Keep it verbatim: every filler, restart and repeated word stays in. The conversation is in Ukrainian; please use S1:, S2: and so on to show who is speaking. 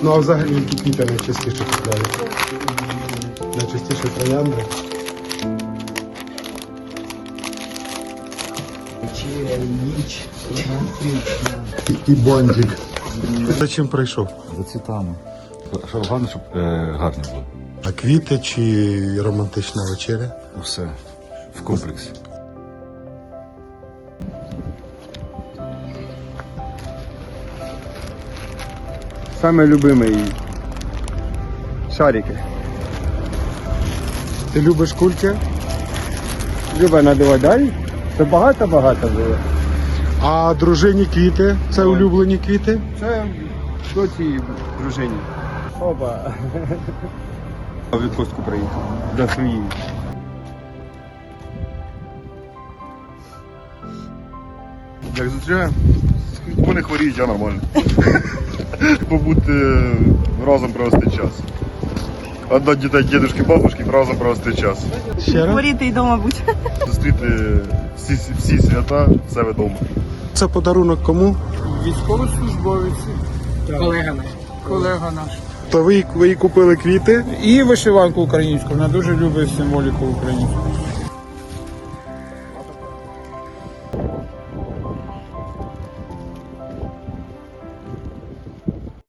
S1: Ну а взагалі які квіти найчастіше купляють? Найчастіше троянди.
S2: Ніч, романтична.
S1: І, і бондик. За чим прийшов?
S3: За цвітами. Щоб головне, щоб е, гарно було.
S1: А квіти чи романтична вечеря?
S3: Все в комплексі.
S4: Самый любимый шарики.
S1: Ти любиш кульки?
S4: Люба надавати далі. Це багато-багато було.
S1: А дружині квіти? Це улюблені квіти?
S4: Це доці дружині. Опа. В відпустку приїхав. До своєї.
S5: Як зустрічаємо? Вони хворіють, я нормально. Побути разом провести час. Отдати дітей дідушки, бабушки, разом провести час.
S1: Ще раз?
S6: Хворіти і вдома бути.
S5: Зустріти всі, всі свята в себе вдома.
S1: Це подарунок кому?
S2: Військовослужбовець. Колега наш. Колега наш.
S1: То ви, ви їй купили квіти?
S2: І вишиванку українську. Вона дуже любить символіку українську.